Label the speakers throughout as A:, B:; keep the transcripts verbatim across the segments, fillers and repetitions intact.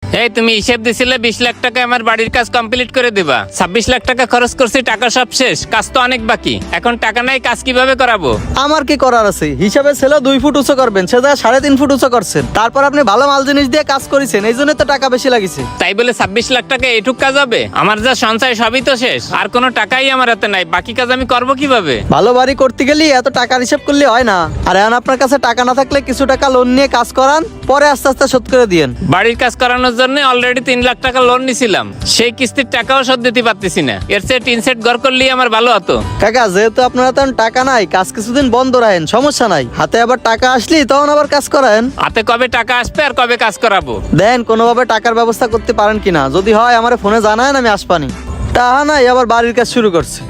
A: এই তুমি হিসেব দিছিলে বিশ লাখ টাকা আমার বাড়ির কাজ কমপ্লিট করে দিবা, ছাব্বিশ লাখ টাকা খরচ করছি, টাকা সব শেষ, কাজ তো অনেক বাকি, এখন টাকা নাই, কাজ কিভাবে করাবো?
B: আমার কি করার আছে? হিসাবে ছিল দুই ফুট উঁচু করবেন, সেটা সাড়ে তিন ফুট উঁচু করছেন। তারপর আপনি ভালো মাল জিনিস দিয়ে কাজ করেছেন, এই জন্য তো টাকা বেশি লাগিছে।
A: তাই বলে ছাব্বিশ লাখ টাকা এটুক কাজ হবে? আমার যা সঞ্চয় সবই তো শেষ, আর কোনো টাকাই আমার হাতে নাই, বাকি কাজ আমি করবো কিভাবে?
B: ভালো বাড়ি করতে গেলে এত টাকার হিসাব করলে হয় না। আর এখন আপনার কাছে টাকা না থাকলে কিছু টাকা লোন নিয়ে কাজ করান, পরে আস্তে আস্তে শোধ করে দিয়েন।
A: বাড়ির কাজ করানোর জন্য অলরেডি তিন লাখ টাকা লোন নিছিলাম, সেই কিস্তির টাকাও শোধ দিতে পারতেছি না। এর চেয়ে টিন সেট ঘর করলেই আমার ভালো হতো।
B: কাকা, যেহেতু আপনার হাতে এখন টাকা নাই, কাজ কিছুদিন বন্ধ রাখেন, সমস্যা নাই। হাতে আবার টাকা আসলি তখন আবার কাজ করেন।
A: হাতে কবে টাকা আসবে আর কবে কাজ করাবো?
B: দেন কোনোভাবে টাকার ব্যবস্থা করতে পারেন কিনা, যদি হয় আমার ফোনে জানায়েন, আমি আসপানি। টাকা নাই, আবার বাড়ির কাজ শুরু করছে।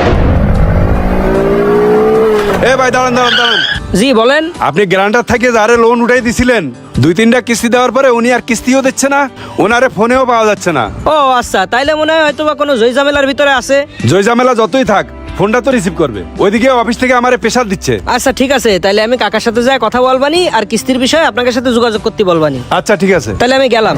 C: এ ভাই দাঁড়ান দাঁড়ান দাঁড়ান।
D: জি বলেন।
C: আপনি গ্যারান্টার থেকে যারে লোন উঠাই দিছিলেন, দুই তিনটা কিস্তি দেওয়ার পরে উনি আর কিস্তিও দিচ্ছে না, ওনারে ফোনেও পাওয়া যাচ্ছে না।
D: ও আচ্ছা, তাইলে মনে হয় হয়তো বা কোনো জয়ঝামেলার ভিতরে আছে।
C: জয়ঝামেলা যতই থাক, ফোনটা তো রিসিভ করবে। ওইদিকে অফিস থেকে আমারে প্রেশার দিচ্ছে।
D: আচ্ছা ঠিক আছে, তাইলে আমি কাকার সাথে যাই কথা বলবানি, আর কিস্তির বিষয়ে আপনাদের সাথে যোগাযোগ করতে বলবানি।
C: আচ্ছা ঠিক আছে।
D: তাহলে আমি গেলাম।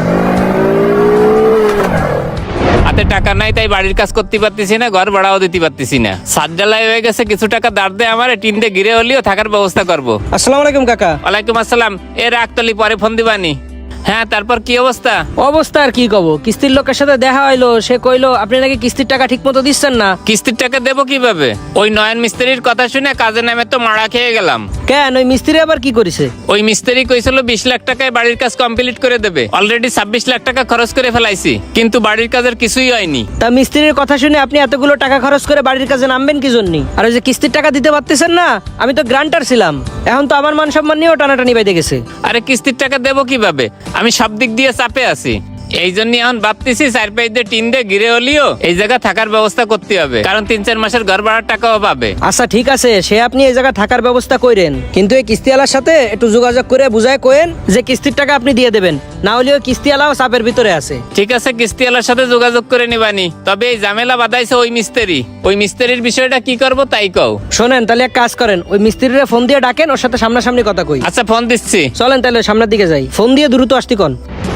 A: হাতে টাকা নাই, তাই বাড়ির কাজ করতে পারতেছি না, ঘর ভাড়াও দিতে পারতেছি না। সাত ঢালাই হয়ে গেছে, কিছু টাকা দাঁড় দে আমার, টিন দিয়ে ঘিরে হলেও থাকার ব্যবস্থা করবো।
D: আসসালামু আলাইকুম কাকা।
A: ওয়ালাইকুম আসসালাম। এ রাখতলি, পরে ফোন দিবানি। হ্যাঁ, তারপর কি অবস্থা?
D: অবস্থা আর কি কব, কিস্তির লোকের সাথে দেখা হইলো, সে কইলো আপনি নাকি কিস্তির টাকা ঠিক মতো দিচ্ছেন না।
A: কিস্তির টাকা দেবো কিভাবে? ওই নয়ন মিস্ত্রির কথা শুনে কাজে নামে তো মারা খেয়ে গেলাম।
D: কেন, ওই মিস্ত্রি আবার কি করেছে?
A: ওই মিস্ত্রি কইছিল বিশ লাখ টাকায় বাড়ির কাজ কমপ্লিট করে দেবে, অলরেডি ছাব্বিশ লাখ টাকা খরচ করে ফেলাইছি, কিন্তু বাড়ির কাজের কিছুই হয়নি।
D: তা মিস্ত্রির কথা শুনে আপনি এতগুলো টাকা খরচ করে বাড়ির কাজে নামবেন কি জন্য? আর ওই যে কিস্তির টাকা দিতে পারতেছেন না, আমি তো গ্রান্টার ছিলাম, এখন তো আমার মান সম্মান নিয়েও টানাটানি বাইতে গেছে।
A: আরে কিস্তির টাকা দেবো কিভাবে? আমি সব দিক দিয়ে চাপে আছি, এই জন্য এখন ভাবতেছি চার পাঁচ দিয়ে টিন দিয়ে ঘিরে হলিও এই জায়গা থাকার ব্যবস্থা করতে হবে, কারণ তিন চার মাসের ঘর ভাড়ার টাকাও পাবে।
D: আচ্ছা ঠিক আছে, সে আপনি এই জায়গায় থাকার ব্যবস্থা করেন, কিন্তু এই কিস্তিওয়ালার সাথে একটু যোগাযোগ করে বুঝায় কোয়েন যে কিস্তির টাকা আপনি দিয়ে দেবেন, না হলেও কিস্তিওয়ালাও চাপের ভিতরে আছে।
A: ঠিক আছে, কিস্তিওয়ালার সাথে যোগাযোগ করে নিবানি। তবে এই ঝামেলা বাঁধাইছে ওই মিস্ত্রি, ওই মিস্ত্রির বিষয়টা কি করবো তাই কও।
D: শোনেন, তাহলে এক কাজ করেন, ওই মিস্ত্রিরে ফোন দিয়ে ডাকেন, ওর সাথে সামনাসামনি কথা কই।
A: আচ্ছা, ফোন দিচ্ছি।
D: চলেন তাহলে সামনের দিকে যাই, ফোন দিয়ে দ্রুত আসতে কন।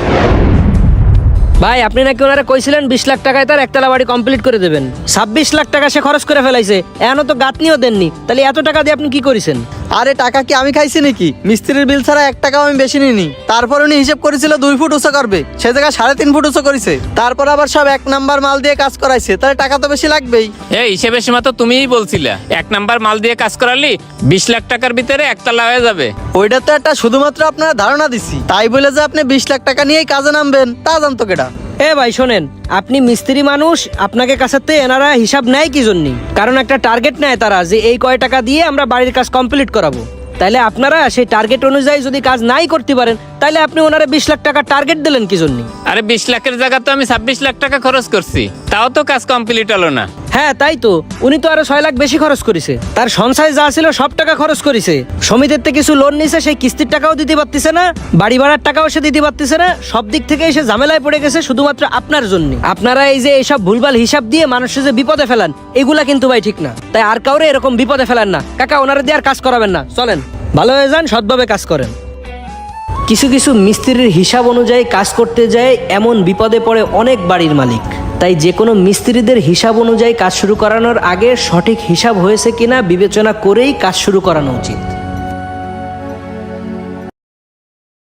D: ভাই, আপনি নাকি ওনারা কইছিলেন বিশ লাখ টাকায় তার একতলা বাড়ি কমপ্লিট করে দেবেন, ছাব্বিশ লাখ টাকা সে খরচ করে ফেলাইছে, এখনো তো গাঁথনিও দেননি, তাহলে এত টাকা দিয়ে আপনি কি করেছেন?
B: আরে টাকা কি আমি খাইছি নাকি? মিস্ত্রির বিল ছাড়া এক টাকাও আমি বেশি নিইনি। তারপর উনি হিসেব করেছিল দুই ফুট উঁচু করবে, সে জায়গায় সাড়ে তিন ফুট উঁচু করেছে। তারপর আবার সব এক নাম্বার মাল দিয়ে কাজ করাইছে, তাহলে টাকা তো বেশি লাগবেই।
A: এই হিসেবের সময় তো তুমিই বলছিলা এক নাম্বার মাল দিয়ে কাজ করালি বিশ লাখ টাকার ভিতরে একতলা হয়ে যাবে।
B: ওইটা তো একটা শুধুমাত্র আপনারা ধারণা দিছি, তাই বলে যে আপনি বিশ লাখ টাকা নিয়েই কাজে নামবেন তা জানতো কেটা?
D: এ ভাই শোনেন, আপনি মিস্ত্রি মানুষ, আপনাকে কাছাতে এনারা হিসাব নেয় কি জন্য? কারণ একটা টার্গেট নেয় তারা, যে এই কয় টাকা দিয়ে আমরা বাড়ির কাজ কমপ্লিট করাবো। তাইলে আপনারা সেই টার্গেট অনুযায়ী যদি কাজ নাই করতে পারেন, তাইলে আপনি ওনারা বিশ লাখ টাকা টার্গেট দিলেন কি জন্য?
A: আরে বিশ লাখের জায়গা তো আমি ছাব্বিশ লাখ টাকা খরচ করছি, তাও তো কাজ কমপ্লিট হলো না।
D: হ্যাঁ তাই তো, উনি তো আরো ছয় লাখ বেশি খরচ করেছে, তার সঞ্চয় যা ছিল সব টাকা খরচ করেছে, সমিতির থেকে কিছু লোন নিছে, সেই কিস্তির টাকাও দিতে পারতেছে না, বাড়ি ভাড়ার টাকাও সে দিতে পারতেছে না, সব দিক থেকে এসে ঝামেলায় পড়ে গেছে শুধুমাত্র আপনার জন্য। আপনারা এই যে এইসব ভুলভাল হিসাব দিয়ে মানুষের যে বিপদে ফেলান, এগুলা কিন্তু ভাই ঠিক না। তাই আর কাউরে এরকম বিপদে ফেলান না কাকা, ওনারা দিয়ে আর কাজ করাবেন না। চলেন, ভালো হয়ে যান, সৎভাবে কাজ করেন। কিছু কিছু মিস্ত্রির হিসাব অনুযায়ী কাজ করতে যায়, এমন বিপদে পড়ে অনেক বাড়ির মালিক। তাই যে কোনো মিস্ত্রিদের হিসাব অনুযায়ী কাজ শুরু করানোর আগে সঠিক হিসাব হয়েছে কিনা বিবেচনা করেই কাজ শুরু করানো উচিত।